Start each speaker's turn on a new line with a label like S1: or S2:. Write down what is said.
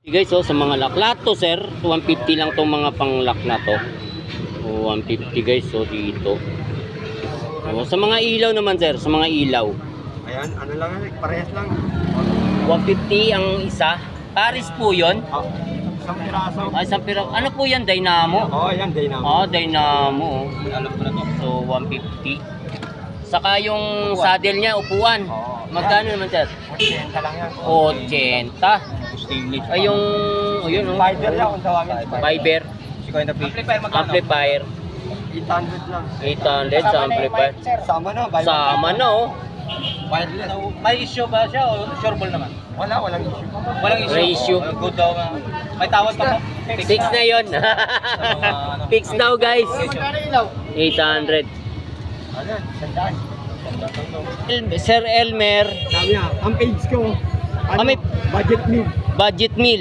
S1: Guys, oh, sa mga laklat to, sir, 150 lang tong mga panglak na to. Oh, 150 guys, so dito. Oh, sa mga ilaw naman, sir, sa mga ilaw.
S2: Ayan, ano lang, parehas lang.
S1: 150 ang isa. Paris po 'yon.
S2: Oh, isang piraso.
S1: Ay, isang piraso. Ano po 'yan, Dynamo?
S2: Oh, ayan, Dynamo.
S1: Oh, Dynamo.
S2: Alam ko na to.
S1: So 150. Saka yung saddle niya, upuan.
S2: Oo.
S1: Magkano naman, sir?
S2: 80 lang yan.
S1: 80. Ay, yung yun, oh.
S2: Fiber yan kung tawagin.
S1: Fiber.
S2: Amplifier magkano?
S1: Amplifier.
S2: 800 lang.
S1: 800 sa amplifier.
S2: Sama na.
S1: Sama na, oh.
S2: Wireless.
S3: May issue ba siya o sureball naman?
S2: Walang issue.
S3: Walang issue.
S1: Ratio.
S3: Good daw. May tawad pa po.
S1: Fix na yun. Fix daw, guys. 800.
S2: Ayan, sandaan.
S1: Sir Elmer,
S2: Sabi nga, ang page ko,
S1: may
S2: budget meal.
S1: budget meal.